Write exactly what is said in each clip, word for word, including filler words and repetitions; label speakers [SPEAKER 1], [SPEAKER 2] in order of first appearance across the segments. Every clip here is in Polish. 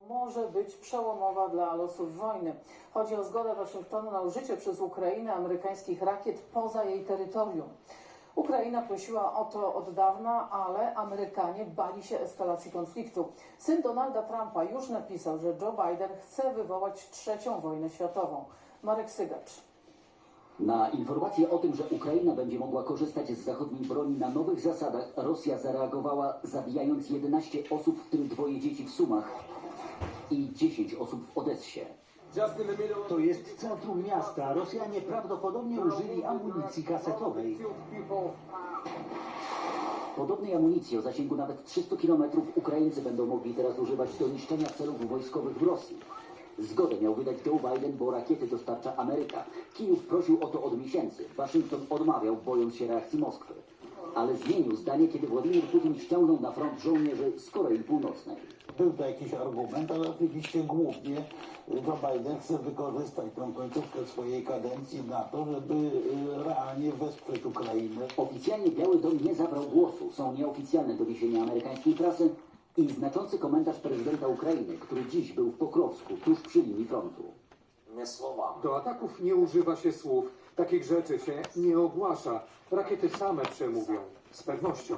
[SPEAKER 1] może być przełomowa dla losów wojny. Chodzi o zgodę Waszyngtonu na użycie przez Ukrainę amerykańskich rakiet poza jej terytorium. Ukraina prosiła o to od dawna, ale Amerykanie bali się eskalacji konfliktu. Syn Donalda Trumpa już napisał, że Joe Biden chce wywołać trzecią wojnę światową. Marek Sygacz.
[SPEAKER 2] Na informację o tym, że Ukraina będzie mogła korzystać z zachodniej broni na nowych zasadach, Rosja zareagowała, zabijając jedenaście osób, w tym dwoje dzieci w Sumach i dziesięć osób w Odessie.
[SPEAKER 3] To jest centrum miasta. Rosjanie prawdopodobnie użyli amunicji kasetowej.
[SPEAKER 2] Podobnej amunicji o zasięgu nawet trzystu kilometrów Ukraińcy będą mogli teraz używać do niszczenia celów wojskowych w Rosji. Zgodę miał wydać Joe Biden, bo rakiety dostarcza Ameryka. Kijów prosił o to od miesięcy. Waszyngton odmawiał, bojąc się reakcji Moskwy. Ale zmienił zdanie, kiedy Władimir Putin ściągnął na front żołnierzy z Korei Północnej.
[SPEAKER 4] Był to jakiś argument, ale oczywiście głównie Joe Biden chce wykorzystać tę końcówkę swojej kadencji na to, żeby realnie wesprzeć Ukrainę.
[SPEAKER 2] Oficjalnie Biały Dom nie zabrał głosu. Są nieoficjalne doniesienia amerykańskiej prasy i znaczący komentarz prezydenta Ukrainy, który dziś był w Pokrowsku, tuż przy linii frontu.
[SPEAKER 5] Do ataków nie używa się słów. Takich rzeczy się nie ogłasza. Rakiety same przemówią. Z pewnością.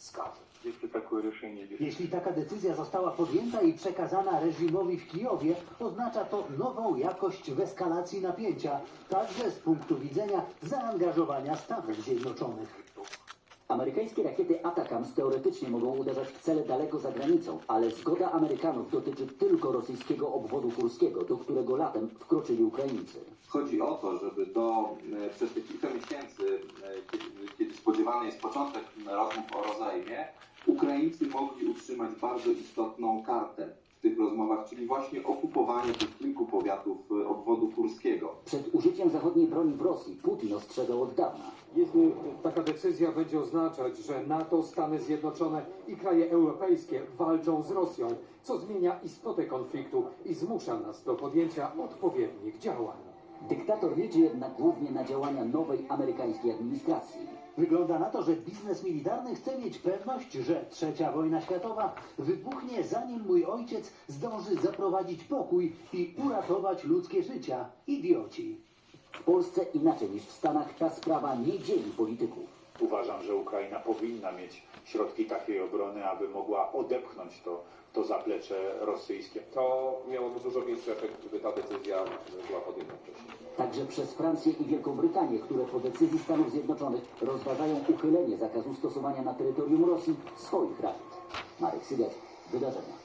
[SPEAKER 3] Jeśli taka decyzja została podjęta i przekazana reżimowi w Kijowie, oznacza to nową jakość w eskalacji napięcia, także z punktu widzenia zaangażowania Stanów Zjednoczonych.
[SPEAKER 2] Amerykańskie rakiety Atacams teoretycznie mogą uderzać w cele daleko za granicą, ale zgoda Amerykanów dotyczy tylko rosyjskiego obwodu kurskiego, do którego latem wkroczyli Ukraińcy.
[SPEAKER 6] Chodzi o to, żeby do, e, przez te kilka miesięcy, e, kiedy, kiedy spodziewany jest początek rozmów o rozejmie, Ukraińcy mogli utrzymać bardzo istotną kartę w tych rozmowach, czyli właśnie okupowanie tych kilku powiatów e, obwodu kurskiego.
[SPEAKER 2] Przed użyciem zachodniej broni w Rosji Putin ostrzegał od dawna.
[SPEAKER 5] Jeśli taka decyzja będzie oznaczać, że NATO, Stany Zjednoczone i kraje europejskie walczą z Rosją, co zmienia istotę konfliktu i zmusza nas do podjęcia odpowiednich działań.
[SPEAKER 2] Dyktator liczy jednak głównie na działania nowej amerykańskiej administracji.
[SPEAKER 3] Wygląda na to, że biznes militarny chce mieć pewność, że trzecia wojna światowa wybuchnie, zanim mój ojciec zdąży zaprowadzić pokój i uratować ludzkie życia. Idioci.
[SPEAKER 2] W Polsce inaczej niż w Stanach ta sprawa nie dzieli polityków.
[SPEAKER 7] Uważam, że Ukraina powinna mieć środki takiej obrony, aby mogła odepchnąć to, to zaplecze rosyjskie.
[SPEAKER 8] To miałoby dużo większy efekt, gdyby ta decyzja była podjęta wcześniej.
[SPEAKER 2] Także przez Francję i Wielką Brytanię, które po decyzji Stanów Zjednoczonych rozważają uchylenie zakazu stosowania na terytorium Rosji swoich rakiet. Marek Sygacz, wydarzenia.